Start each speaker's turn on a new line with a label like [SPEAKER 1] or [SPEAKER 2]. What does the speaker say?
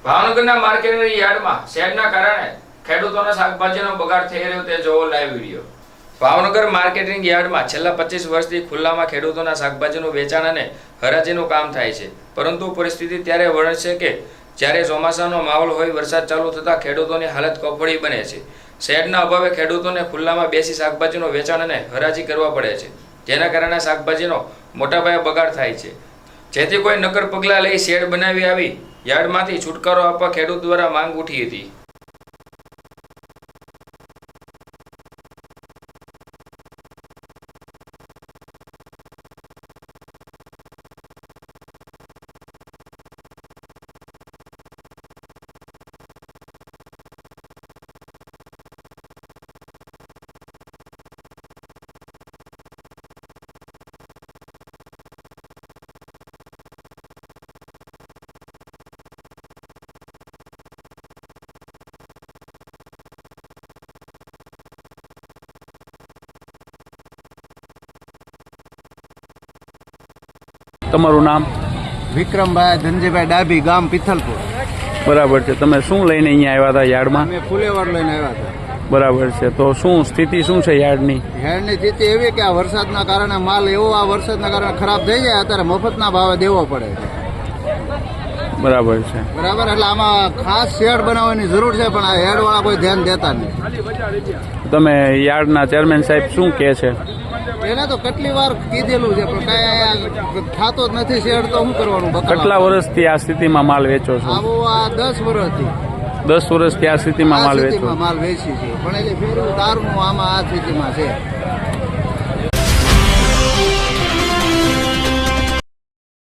[SPEAKER 1] ભાવનગરના માર્કેટની યાર્ડમાં શેડના કારણે ખેડૂતોના શાકભાજીનો બગાડ થઈ રહ્યો તે જોવો લાઈવ વિડીયો। ભાવનગર માર્કેટિંગ યાર્ડમાં છેલ્લા 25 વર્ષથી ખુલ્લામાં ખેડૂતોના શાકભાજીનું વેચાણ અને હરાજીનું કામ થાય છે, પરંતુ પરિસ્થિતિ ત્યારે વણે છે કે જ્યારે ચોમાસાનો માહોલ હોય, વરસાદ ચાલુ થતાં ખેડૂતોની હાલત કફોડી બને છે। શેડના અભાવે ખેડૂતોને ખુલ્લામાં બેસી શાકભાજીનું વેચાણ અને હરાજી કરવા પડે છે, જેના કારણે શાકભાજીનો મોટા પાયે બગાડ થાય છે, જેથી કોઈ નક્કર પગલાં લઈ શેડ બનાવી આવી યાર્ડમાંથી છુટકારો આપવા ખેડૂત દ્વારા માંગ ઉઠી હતી।
[SPEAKER 2] તમારું નામ?
[SPEAKER 3] વિક્રમભાઈ ધનજીભાઈ ડાભી, ગામ પિથલપુર।
[SPEAKER 2] બરાબર છે। તમે શું લઈને અહીંયા આવ્યા હતા યાર્ડમાં?
[SPEAKER 3] અમે ફુલેવર લઈને આવ્યા હતા।
[SPEAKER 2] બરાબર છે। તો શું સ્થિતિ શું છે યાર્ડની?
[SPEAKER 3] યાર્ડની સ્થિતિ એવી કે આ વરસાદના કારણે માલ એવો આ વરસાદના કારણે ખરાબ થઈ જાય, અત્યારે મફતના ભાવે દેવો પડે છે।
[SPEAKER 2] બરાબર છે।
[SPEAKER 3] બરાબર, એટલે આમાં ખાસ શેડ બનાવવાની જરૂર છે, પણ આ યાર્ડવાળા કોઈ ધ્યાન દેતા નહીં।
[SPEAKER 2] તમે યાર્ડના ચેરમેન સાહેબ શું કહે છે?
[SPEAKER 3] એને તો કેટલી વાર કીધેલું છે, પણ કઈ થતો જ નથી શેડ, તો શું કરવાનું?
[SPEAKER 2] કેટલા વર્ષથી આ સ્થિતિમાં માલ વેચો છો?
[SPEAKER 3] આવું આ 10 વર્ષથી।
[SPEAKER 2] 10 વર્ષથી આ સ્થિતિમાં માલ વેચો?
[SPEAKER 3] માલ વેચી છે, પણ એટલે ફેરવું દારૂનું આમાં આ સ્થિતિમાં છે।